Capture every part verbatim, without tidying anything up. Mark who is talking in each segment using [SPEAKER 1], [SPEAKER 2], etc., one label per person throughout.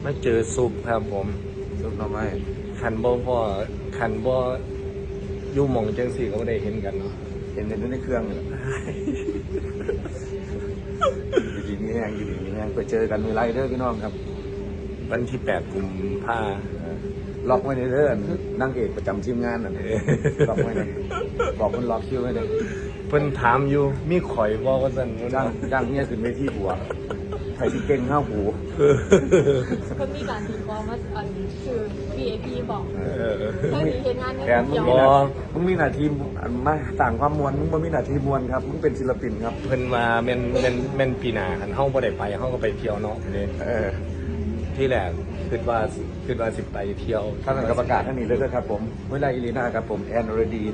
[SPEAKER 1] มาเจอซุปครับผม
[SPEAKER 2] ซุปหน่อไม้
[SPEAKER 1] ขันบ่พ่อขันบ่อยู่หม่องจังสี่ก็บ่ได้เห็นกันเนาะ
[SPEAKER 2] เห็นในเครื่องเลยอยู่ดีมีแห้งอยู่ดีมีแห้งไปเจอกันมือไรเด้อพี่น้องครับ
[SPEAKER 1] วันที่แปดกุมภา
[SPEAKER 2] ล็อกไว้ในเด้อนั่งเอกประจำทีมงานน่ะล็อกไว้เลยบอกคนล็อกคิวไว้เลย
[SPEAKER 1] เพิ่นถามอยู่มีข่อยบ่ว่าซั่น
[SPEAKER 2] จ้างจ้างเนี่ยขึ้นเวทีบัวใครที่เก่งข้าวหู
[SPEAKER 3] ก็มีการตีกองว่าอันคือ วี ไอ พี บอกเออ
[SPEAKER 2] มึง
[SPEAKER 3] มีเหตุงานเนี่ย
[SPEAKER 2] มึงมีมึงมีหน้าที่มาต่างความมวลมึงบ่มีหน้าที่มวลครับมึงเป็นศิลปินครับ
[SPEAKER 1] เพิ่นว่าแม่นแม่นแม่นปีหน้าคันเฮาบ่ได้ไปเฮาก็ไปเที่ยวเนาะนี่
[SPEAKER 2] เออ
[SPEAKER 1] ที่แรกคิดว่าคิดว่าสิไปเที่ยว
[SPEAKER 2] ท่านกรรมการท่านนี้เลยครับผมเวลาอิลีนาครับผมแอนอรดี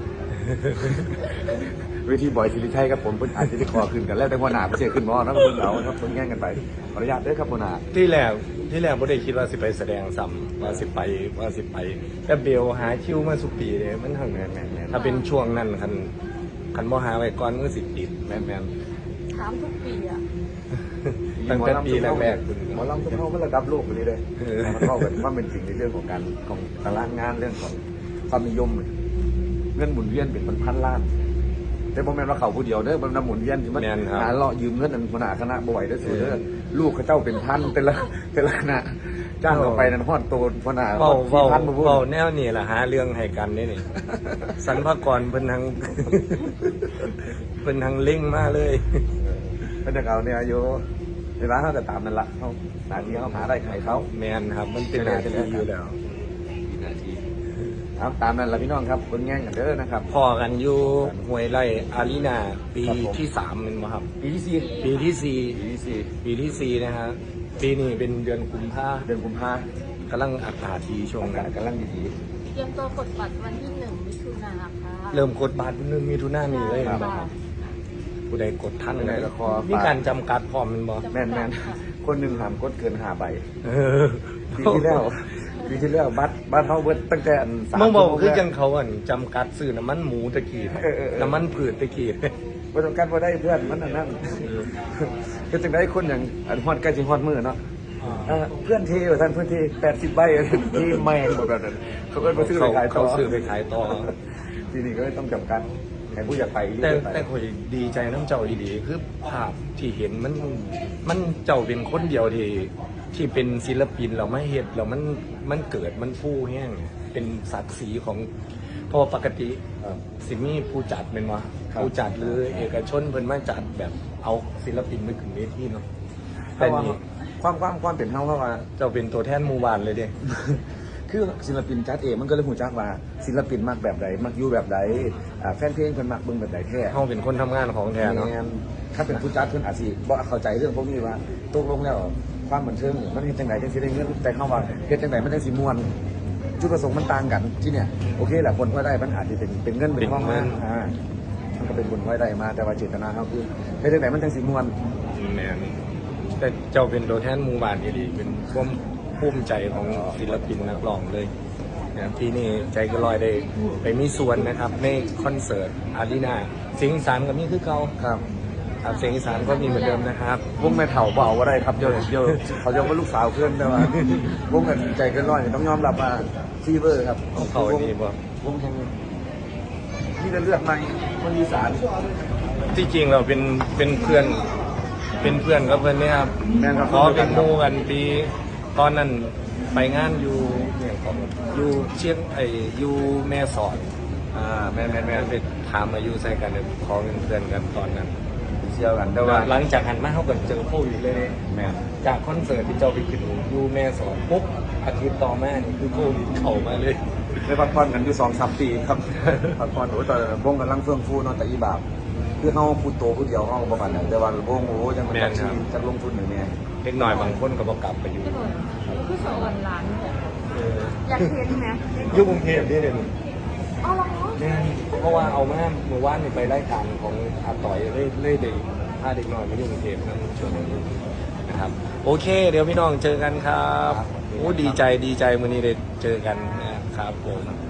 [SPEAKER 2] เวทีบอยศิริชัยครับผมเพิ่นอาจจะได้คอขึ้นกันแล้วแต่หัวหน้าเพิ่นเสียขึ้นมอนะเพิ่นเอาครับเพิ่นแย่งกันไปขออนุญาตเด้อครับหัวหน้า
[SPEAKER 1] ที่แรกที่แรกบ่ได้คิดว่าสิไปแสดงซ้ำว่าสิไปว่าสิไปแต่เบลหาคิวมาสุปีเลยมันทางแม่นๆถ้าเป็นช่วงนั้นคันคันบ่หาไว้ก่อนก็สิติดแม่น
[SPEAKER 3] ๆถามทุกปีอ่ะ
[SPEAKER 1] ตั้งแต่ปีแรก
[SPEAKER 2] ๆหมอลำทุกเฮามันระดับโลกไปเลยเด้อมันเข้ากันความเป็นจริงในเรื่องของการของตารางงานเรื่องของความนิยมเงินหมุนเวียนเป็นพันล้านแต่บ่แม่นว่าเขาผู้เดียวเด้อมันนำหมุนเวียนที่มันหาเลาะยืมเงินอันหัวหน้าคณะบ่ไหวเด้อสูเด้อลูกเขาเจ้าเป็นพันแต่ละแต่ละคณะจ้างเขาไปนั่นฮอดโตหัวหน้า
[SPEAKER 1] เว้าเว้าเว้าแนวนี้ล่ะหาเรื่องให้กันนี่นี่สรรพากรเพิ่นทั้งเพิ่นทั้งเล่งมาเลย
[SPEAKER 2] เพิ่นจะเอาเนี่ยอยู่เวลาเฮาก็ตามนั่นล่ะเฮาหน้าที่เฮาหาได้ไขเขา
[SPEAKER 1] แม่นครับมันเป็นหน้าที่อยู่แล้ว
[SPEAKER 2] หน้าที่ครับตามนั้นละพี่น้องครับคนแง่งกันเด้อนะครับ
[SPEAKER 1] พอกันอยู่ห้วยไร่อารีนาปีที่สามเป็นไหมครับ
[SPEAKER 2] ปีที่สี่
[SPEAKER 1] ปีที่สี่
[SPEAKER 2] ปีที่สี่
[SPEAKER 1] ปีที่สี่นะฮะปีนี้เป็นเดือนกุมภา
[SPEAKER 2] เดือนกุมภาก
[SPEAKER 1] ำลังอากาศดีช่วงนั้น
[SPEAKER 2] กำลังดี
[SPEAKER 3] เตรียมตัวกดบัตรวันที่หนึ่งมิถุนายนค่ะ
[SPEAKER 1] เริ่มกดบัตรหนึ่งมิถุนายนนี่เลยครับผู้ใดกดท่านเลยมีการจำกัดพร้อมมันบ่
[SPEAKER 2] แม่นแม่นคนหนึ่งห้ามกดเกินห้าใบปีที่แล้วปีที่แล้วบัตรบัตรเขาเบิดตั้งแต่
[SPEAKER 1] สามมึงบอกคือจังเขาอันจำกัดซื้อน้ำมันหมูตะกี้น้ำมันผืดตะกี้
[SPEAKER 2] ประสบการณ์พอได้เพื่อนมันนั่นก็จึงได้คนอย่างอันฮอดใกล้จะฮอดมือเนาะเพื่อนเทท่านเพื่อนเทแปดสิบใบที่แม่งแบบนั้นเขาก็ไปซื้อไปขายต่อ
[SPEAKER 1] เขาซื้อไปขายต่อ
[SPEAKER 2] ทีนี้ก็ต้องจำกัดแข่ผู้อยากไป
[SPEAKER 1] แต่แต่คอยดีใจน้ำเจ้าดีๆคือภาพที่เห็นมันมันเจ้าเป็นคนเดียวที่ที่เป็นศิลปินเราไม่เห็นเรามันมันเกิดมันฟู่แห้งเป็นศักดิ์ศรีของพอปกติสิมีผู้จัดเป็นวะผู้จัดหรือเอกชนเพิ่นมาจัดแบบเอาศิลปินไปขึ้นเวทีเนาะ
[SPEAKER 2] แต่นี่ความความความเป็นเฮาเพราะว่า
[SPEAKER 1] เจ้าเป็นตัวแทนหมู่บ้านเลยเด้
[SPEAKER 2] คือศิลปินจัดเองมันก็เลยหูจักว่าศิลปินมักแบบใดมักอยู่แบบใดแฟนเพลงเพิ่นมักเบิ่งแบบใดแท้
[SPEAKER 1] เฮาเป็นคนทำงานของแท้เนาะ
[SPEAKER 2] ถ้าเป็นผู้จัดเพิ่นอาจสิบ่เข้าใจเรื่องพวกนี้ว่าตกลงแล้วความบันเทิงมันเฮ็ดจังไดจังสิได้เงินแต่เฮาว่าเฮ็ดจังไดมันจังสิม่วนจุดประสงค์มันต่างกันที่เนี่ยโอเคแหละคนพอได้มันอาจจะเป็นเป็นเงินเป็นทองมาอ่ามันก็เป็นคนพอได้มาแต่ว่าเจตนาเฮาคือเฮ็ดจังไดมันจังสิม่วน
[SPEAKER 1] แม่นแต่เจ้าเป็นตัวแทนหมู่บ้านดีๆเป็นความภูมิใจของศิลปินนักร้องเลยนะปีนี้ใจก็ลอยได้ไปมีส่วนนะครับในคอนเสิร์ตอารีนาเสียงอีสานก็มีคือเก่า
[SPEAKER 2] ครับ
[SPEAKER 1] ครับเสียงอีสานก็มีเหมือนเดิมนะครับ
[SPEAKER 2] วงแม่เฒ่าเบาอะไรครับเยอะเยอะเขาจะว่าลูกสาวเพื่อนแต่ว่าวงกันใจก็ลอยต้องยอมรับว่าฟีเวอร์ครับ
[SPEAKER 1] เขาดีบ่
[SPEAKER 2] วงแห่งนี่จะเลือกไหมคนอีสาน
[SPEAKER 1] ที่จริงเราเป็นเป็นเพื่อนเป็นเพื่อนกับเพื่อนเนี่ยครับขอเป็นโมกันปีตอนนั้นไปงานอยู่เนี่ยของอยู่เชียงไออยู่แม่สอดอ่าแม่แม่แม่ไปถามอายุใส่กันเนี่ยขอเป็นเพื่อนกันตอนนั้น
[SPEAKER 2] เชียวกันแต่ว่า
[SPEAKER 1] หลังจากหันมาเขาก็เจอโควิดเลย
[SPEAKER 2] แม่
[SPEAKER 1] จากคอนเสิร์ตที่เจ้าไปขึ้นอยู่แม่สอดปุ๊บอาทิตย์ต่อมานี่คือโควิดเข้ามาเลย
[SPEAKER 2] ได้พักผ่อนกันอยู่สองสามปีครับพักผ่อนโอ้ตอนวงกำลังเฟื่องฟูนอนแต่อีบาบคือเขาพูดโตพูดเดียวเขาประมาณนั้นแต่ว่าวงโอ้ยังมันจะลงทุนอย่างนี้
[SPEAKER 1] เล็กหน่อยบางคนก็บอกกลับไปอยู่
[SPEAKER 3] คือสอนร้านอยากเห็นไหม
[SPEAKER 1] ยุ่งกรุงเทพนี่เลย
[SPEAKER 3] อ๋อเหรอ
[SPEAKER 1] เนี่ยเพราะว่าเอาแม่เมื่อวานไปไล่การของอาต่อยเล่เล่เด็กพาเด็กหน่อยมายุ่งกรุงเทพนั่นช่วงนี้นะครับโอเคเดี๋ยวพี่น้องเจอกันครับโอ้ดีใจดีใจวันนี้ได้เจอกันนะครับผม